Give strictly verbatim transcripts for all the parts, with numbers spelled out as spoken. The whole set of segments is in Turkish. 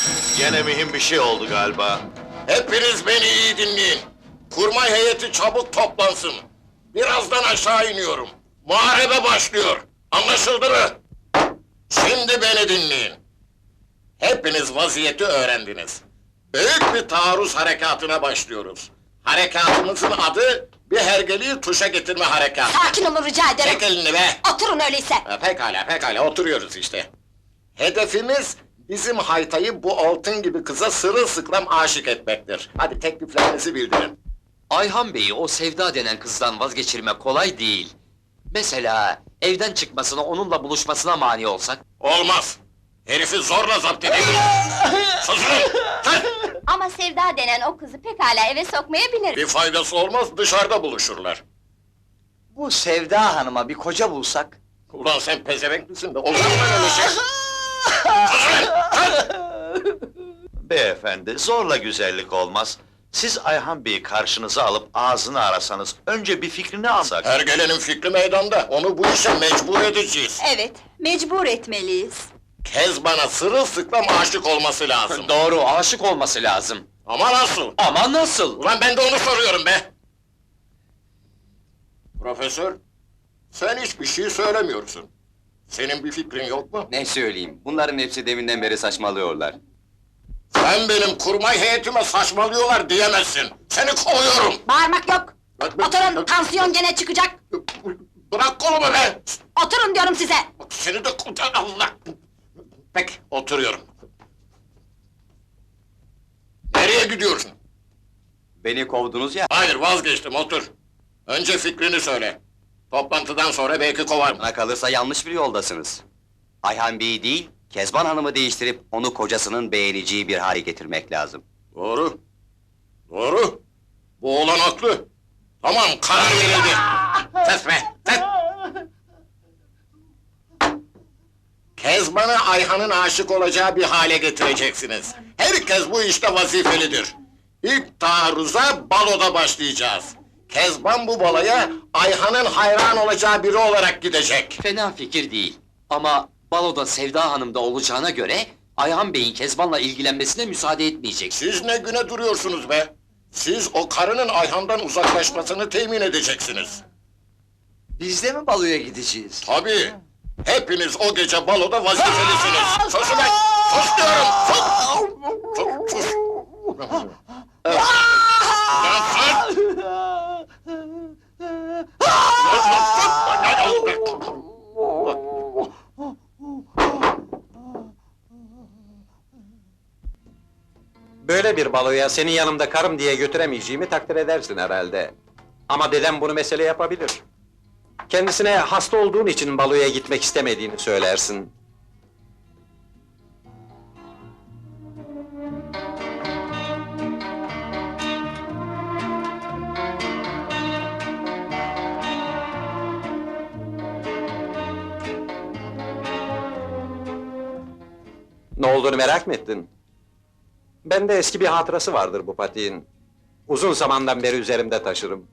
Gene mühim bir şey oldu galiba. Hepiniz beni iyi dinleyin. Kurmay heyeti çabuk toplansın. Birazdan aşağı iniyorum. Muharebe başlıyor. Anlaşıldı mı? Şimdi beni dinleyin. Hepiniz vaziyeti öğrendiniz. Büyük bir taarruz harekatına başlıyoruz. Harekatımızın adı, bir hergeliği tuşa getirme harekatı. Sakin olun rica ederim. Çek elini be! Oturun öyleyse. Ha, pekala, pekala, oturuyoruz işte. Hedefimiz, bizim Haytay'ı bu altın gibi kıza sırılsıklam aşık etmektir. Hadi tekliflerinizi bildirin. Ayhan Bey'i o Sevda denen kızdan vazgeçirmek kolay değil. Mesela evden çıkmasına, onunla buluşmasına mani olsak? Olmaz! Herifi zorla zapt edelim! Susun! Lan! Ama Sevda denen o kızı pekala eve sokmayabilir. Bir faydası olmaz, dışarıda buluşurlar. Bu Sevda Hanım'a bir koca bulsak... Ulan sen pezevenk misin de, olur mu öyle şey? Susun! Lan! Beyefendi, zorla güzellik olmaz. Siz Ayhan Bey'i karşınıza alıp ağzını arasanız, önce bir fikrini alsak. Hergelenin fikri meydanda, onu bu işe mecbur edeceğiz. Evet, mecbur etmeliyiz. Kezban'a sırılsıklam aşık olması lazım. Doğru, aşık olması lazım. Ama nasıl? Ama nasıl? Ulan ben de onu soruyorum be! Profesör, sen hiçbir şey söylemiyorsun. Senin bir fikrin yok mu? Ne söyleyeyim, bunların hepsi deminden beri saçmalıyorlar. Sen benim kurmay heyetime saçmalıyorlar diyemezsin! Seni kovuyorum! Bağırmak yok. Oturun, tansiyon gene çıkacak. Bırak kolumu be! Oturun diyorum size. Bak seni de kurtar Allah! Peki, oturuyorum. Nereye gidiyorsun? Beni kovdunuz ya, Hayır, vazgeçtim, otur. Önce fikrini söyle. Toplantıdan sonra belki kovarım. bana kalırsa yanlış bir yoldasınız. Ayhan Bey'i değil, Kezban Hanım'ı değiştirip onu kocasının beğeneceği bir hale getirmek lazım. Doğru. Doğru. Bu oğlan haklı. Tamam, karar verildi. Ses be, ses! Kezban'ı Ayhan'ın aşık olacağı bir hale getireceksiniz. Herkes bu işte vazifelidir. İlk taarruza baloda başlayacağız. Kezban bu baloya Ayhan'ın hayran olacağı biri olarak gidecek. Fena fikir değil. Ama baloda Sevda Hanım da olacağına göre... Ayhan Bey'in Kezban'la ilgilenmesine müsaade etmeyecek. Siz ne güne duruyorsunuz be? Siz o karının Ayhan'dan uzaklaşmasını temin edeceksiniz. Biz de mi baloya gideceğiz? Tabii! Hepiniz o gece baloda vazifelisiniz! Sus ulan! Sus diyorum! Sus! Sus! Sus! Ulan sus! Böyle bir baloya senin yanımda karım diye götüremeyeceğimi takdir edersin herhalde. Ama dedem bunu mesele yapabilir. Kendisine hasta olduğun için baloya gitmek istemediğini söylersin. Ne olduğunu merak mı ettin? Bende eski bir hatırası vardır bu patiğin. Uzun zamandan beri üzerimde taşırım.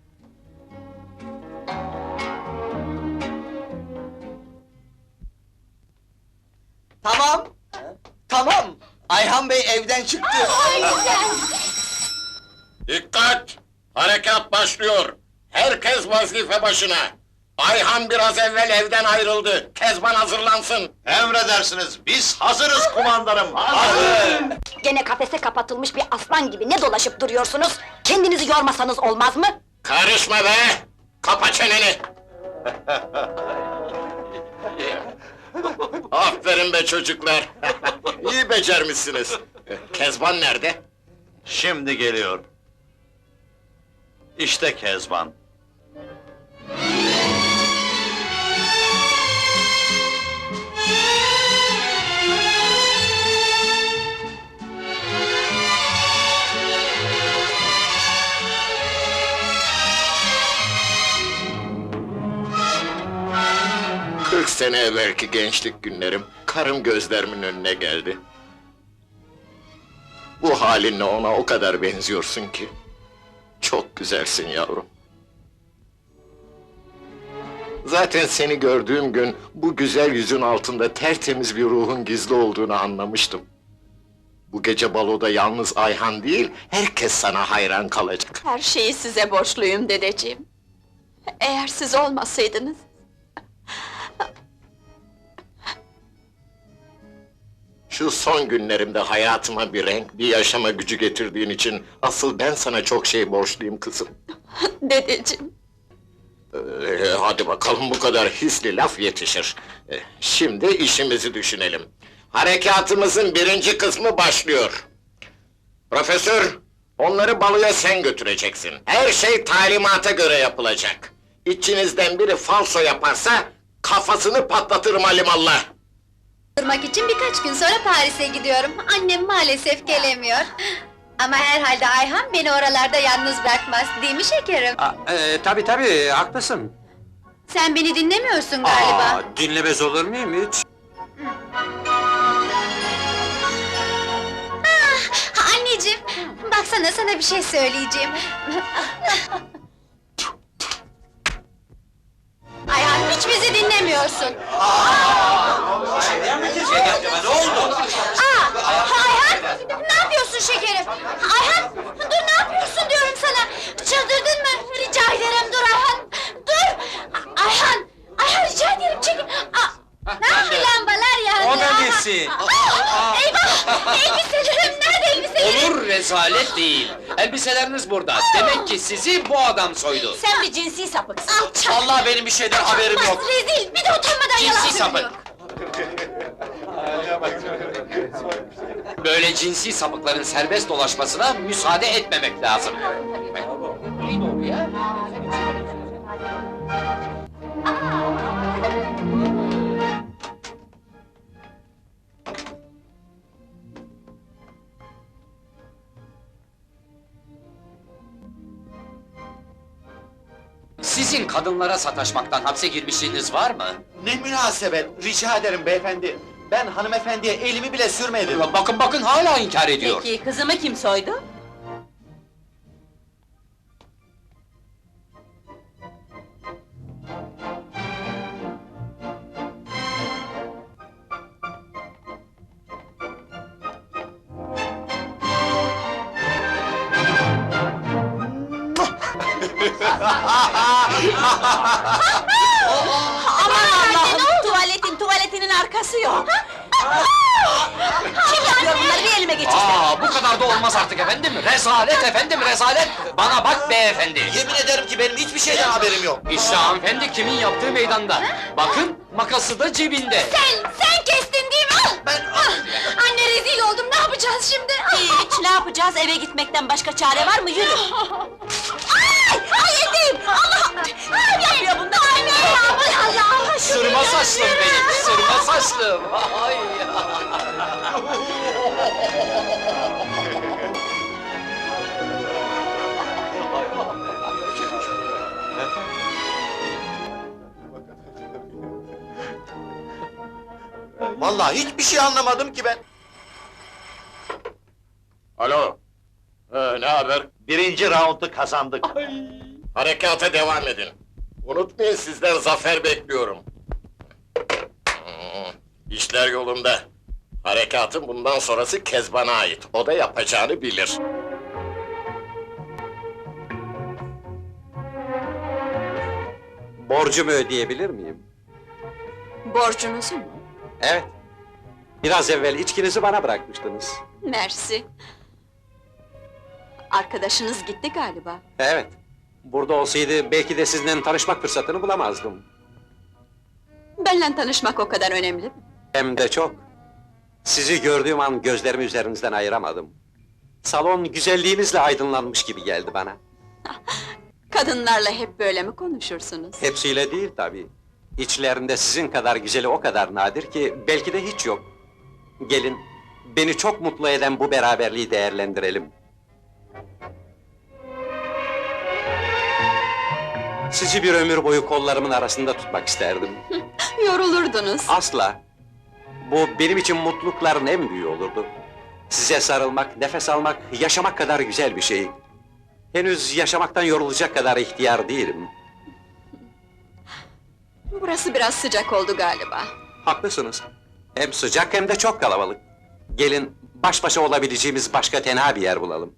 Tamam! Tamam! Ayhan Bey evden çıktı! Dikkat! Harekat başlıyor! Herkes vazife başına! Ayhan biraz evvel evden ayrıldı. Kezban hazırlansın. Emredersiniz, biz hazırız kumandanım! Hazır! Gene kafese kapatılmış bir aslan gibi ne dolaşıp duruyorsunuz? Kendinizi yormasanız olmaz mı? Karışma be! Kapa çeneni! Aferin be çocuklar! İyi becermişsiniz. Kezban nerede? Şimdi geliyor. İşte Kezban. Kırk sene evvelki gençlik günlerim, karım gözlerimin önüne geldi. Bu halinle ona o kadar benziyorsun ki. Çok güzelsin yavrum. Zaten seni gördüğüm gün, bu güzel yüzün altında tertemiz bir ruhun gizli olduğunu anlamıştım. Bu gece baloda yalnız Ayhan değil, herkes sana hayran kalacak. Her şeyi size borçluyum dedeciğim. Eğer siz olmasaydınız... Şu son günlerimde hayatıma bir renk, bir yaşama gücü getirdiğin için... ...asıl ben sana çok şey borçluyum kızım. Dedeciğim, Ee, hadi bakalım, bu kadar hisli laf yetişir. Ee, şimdi işimizi düşünelim. Harekatımızın birinci kısmı başlıyor. Profesör, onları baloya sen götüreceksin. Her şey talimata göre yapılacak. İçinizden biri falso yaparsa... ...kafasını patlatırım alimallah. Durmak için birkaç gün sonra Paris'e gidiyorum. Annem maalesef gelemiyor. Ama herhalde Ayhan beni oralarda yalnız bırakmaz, değil mi şekerim? Aa, e, tabii tabii, haklısın. Sen beni dinlemiyorsun galiba. Aa, dinlemez olur muyum hiç? Ha, anneciğim, baksana sana bir şey söyleyeceğim. Ayhan, hiç bizi dinlemiyorsun. Ne oldu? Aa, Ayhan, ne yapıyorsun şekerim? Ayhan, dur ne yapıyorsun diyorum sana! Çıldırdın mı? Rica ederim dur Ayhan! Dur! Ayhan! Ayhan rica ederim çekil! Aa, ne yapıyor lambalar yandı? O da nesi? Aa, eyvah! Elbiselerim nerede elbiselerim? Olur, rezalet değil. Elbiseleriniz burada. Demek ki sizi bu adam soydu. Sen bir cinsi sapıksın. Alçak! Vallahi benim bir şeyden haberim Bas, yok. rezil! Bir de utanmadan yalan Cinsi sapık. söylüyor! Böyle cinsi sapıkların serbest dolaşmasına müsaade etmemek lazım. Neyin doğru ya? Sizin kadınlara sataşmaktan hapse girmişliğiniz var mı? Ne münasebet, rica ederim beyefendi. Ben hanımefendiye elimi bile sürmedim. Bakın bakın hala inkar ediyor. Peki kızımı kim soydu? Aman Allah'ım! Tuvaletin, tuvaletinin arkası yok! Kim yapıyor bunları, bir elime geçirsin! Aa, bu kadar da olmaz artık efendim. Rezalet efendim, rezalet. Bana bak beyefendi. Yemin ederim ki benim hiçbir şeyden haberim yok. İşte hanımefendi kimin yaptığı meydanda. Bakın, makası da cebinde. Sen, sen kestin değil mi? Al! Ben... Anne rezil oldum, ne yapacağız şimdi? Hiç, ne yapacağız? Eve gitmekten başka çare var mı? Yürü! Ay! Ay elim! Allah! Ay yapıyor bunlar! Anne! Ay Allah! Sırma saçlım benim, sırma saçlım. Ay ya. Vallahi hiçbir şey anlamadım ki ben. Alo, ee, ne haber? Birinci raundu kazandık. Harekata devam edin. Unutmayın, sizden zafer bekliyorum. Hmm, İşler yolunda. Harekatın bundan sonrası Kezban'a ait. O da yapacağını bilir. Borcumu ödeyebilir miyim? borcunuzu mu? Evet. Biraz evvel içkinizi bana bırakmıştınız. Mersi. Arkadaşınız gitti galiba. Evet. Burada olsaydı belki de sizinle tanışmak fırsatını bulamazdım. Benimle tanışmak o kadar önemli mi? Hem de çok. Sizi gördüğüm an gözlerimi üzerinizden ayıramadım. Salon güzelliğinizle aydınlanmış gibi geldi bana. Kadınlarla hep böyle mi konuşursunuz? Hepsiyle değil tabii. İçlerinde sizin kadar güzeli o kadar nadir ki belki de hiç yok. Gelin, beni çok mutlu eden bu beraberliği değerlendirelim. Sizi bir ömür boyu kollarımın arasında tutmak isterdim. Yorulurdunuz. Asla! Bu benim için mutlulukların en büyüğü olurdu. Size sarılmak, nefes almak, yaşamak kadar güzel bir şey. Henüz yaşamaktan yorulacak kadar ihtiyar değilim. Burası biraz sıcak oldu galiba. Haklısınız. Hem sıcak hem de çok kalabalık. Gelin, baş başa olabileceğimiz başka tenha bir yer bulalım.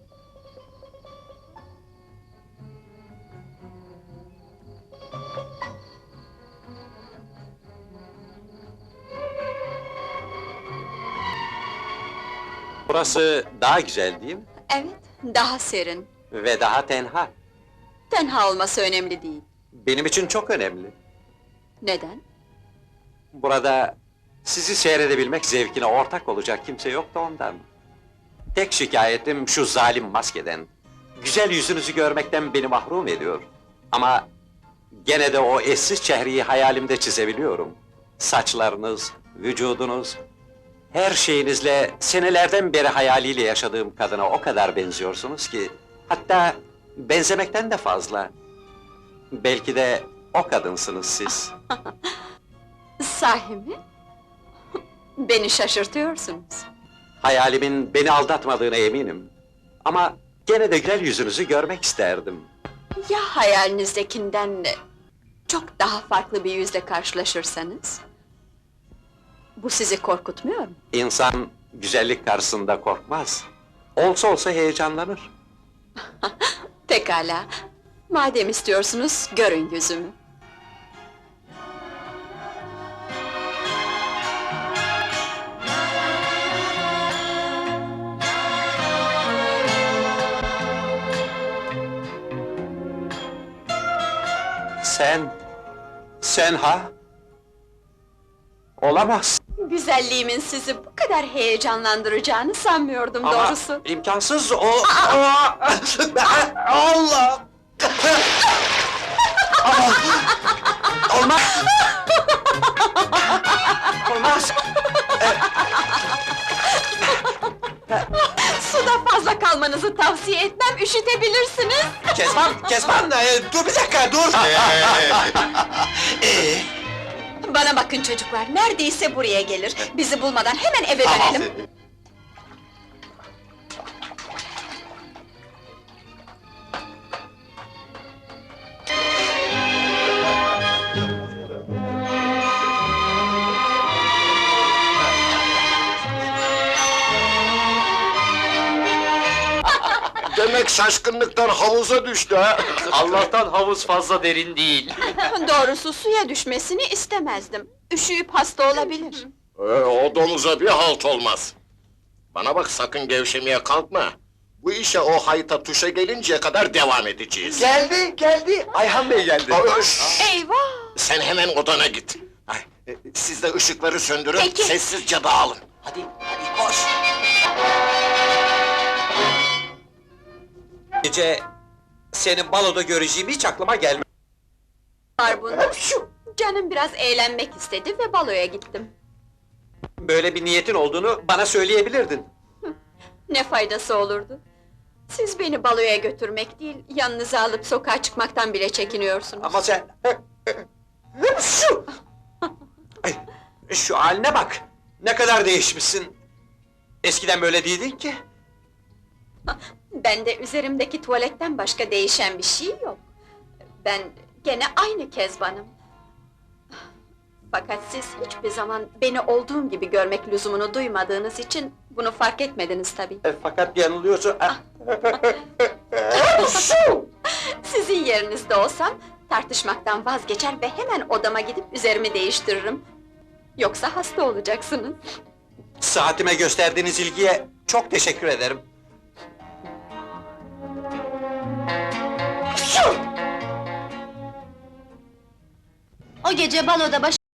Burası daha güzel değil mi? Evet, daha serin. Ve daha tenha. Tenha olması önemli değil. Benim için çok önemli. Neden? Burada sizi seyredebilmek zevkine ortak olacak kimse yok da ondan. Tek şikayetim şu zalim maskeden. Güzel yüzünüzü görmekten beni mahrum ediyor. Ama gene de o eşsiz çehreyi hayalimde çizebiliyorum. Saçlarınız, vücudunuz, her şeyinizle senelerden beri hayaliyle yaşadığım kadına o kadar benziyorsunuz ki... Hatta benzemekten de fazla. Belki de o kadınsınız siz. Sahi mi? Beni şaşırtıyorsunuz. Hayalimin beni aldatmadığına eminim. Ama gene de güzel yüzünüzü görmek isterdim. Ya hayalinizdekinden çok daha farklı bir yüzle karşılaşırsanız? Bu sizi korkutmuyor mu? İnsan güzellik karşısında korkmaz. Olsa olsa heyecanlanır. Pekala. Madem istiyorsunuz, görün yüzümü. Sen... Sen ha? Olamaz. Güzelliğimin sizi bu kadar heyecanlandıracağını sanmıyordum Ama doğrusu. imkansız o... Aa! Allah! Ama... Olmaz! Olmaz! Suda fazla kalmanızı tavsiye etmem, üşütebilirsiniz. Kezban, Kezban! e, dur bir dakika, dur! Ee, Bana bakın çocuklar, neredeyse buraya gelir. Bizi bulmadan hemen eve dönelim. Demek şaşkınlıktan havuza düştü ha! Allah'tan havuz fazla derin değil. Doğrusu suya düşmesini istemezdim. Üşüyüp hasta olabilir. Ee, o domuza bir halt olmaz. Bana bak, sakın gevşemeye kalkma. Bu işe o hayta tuşa gelinceye kadar devam edeceğiz. Geldi, geldi. Ayhan Bey geldi. Aa, şşş! Eyvah! Sen hemen odana git. Ay, e, siz de ışıkları söndürün, Peki. sessizce dağılın. Hadi, hadi koş. Gece... Seni baloda göreceğim hiç aklıma gelmedi. Var bunda. Canım biraz eğlenmek istedi ve baloya gittim. Böyle bir niyetin olduğunu bana söyleyebilirdin. Ne faydası olurdu? Siz beni baloya götürmek değil, yanınıza alıp sokağa çıkmaktan bile çekiniyorsunuz. Ama sen... Şu! Ay, şu haline bak! Ne kadar değişmişsin! Eskiden böyle değildin ki! Bende üzerimdeki tuvaletten başka değişen bir şey yok. Ben gene aynı Kezban'ım. Fakat siz hiçbir zaman beni olduğum gibi görmek lüzumunu duymadığınız için bunu fark etmediniz tabii. E, fakat yanılıyorsun... Sizin yerinizde olsam tartışmaktan vazgeçer ve hemen odama gidip üzerimi değiştiririm. Yoksa hasta olacaksınız. Saatime gösterdiğiniz ilgiye çok teşekkür ederim. O gece baloda baş...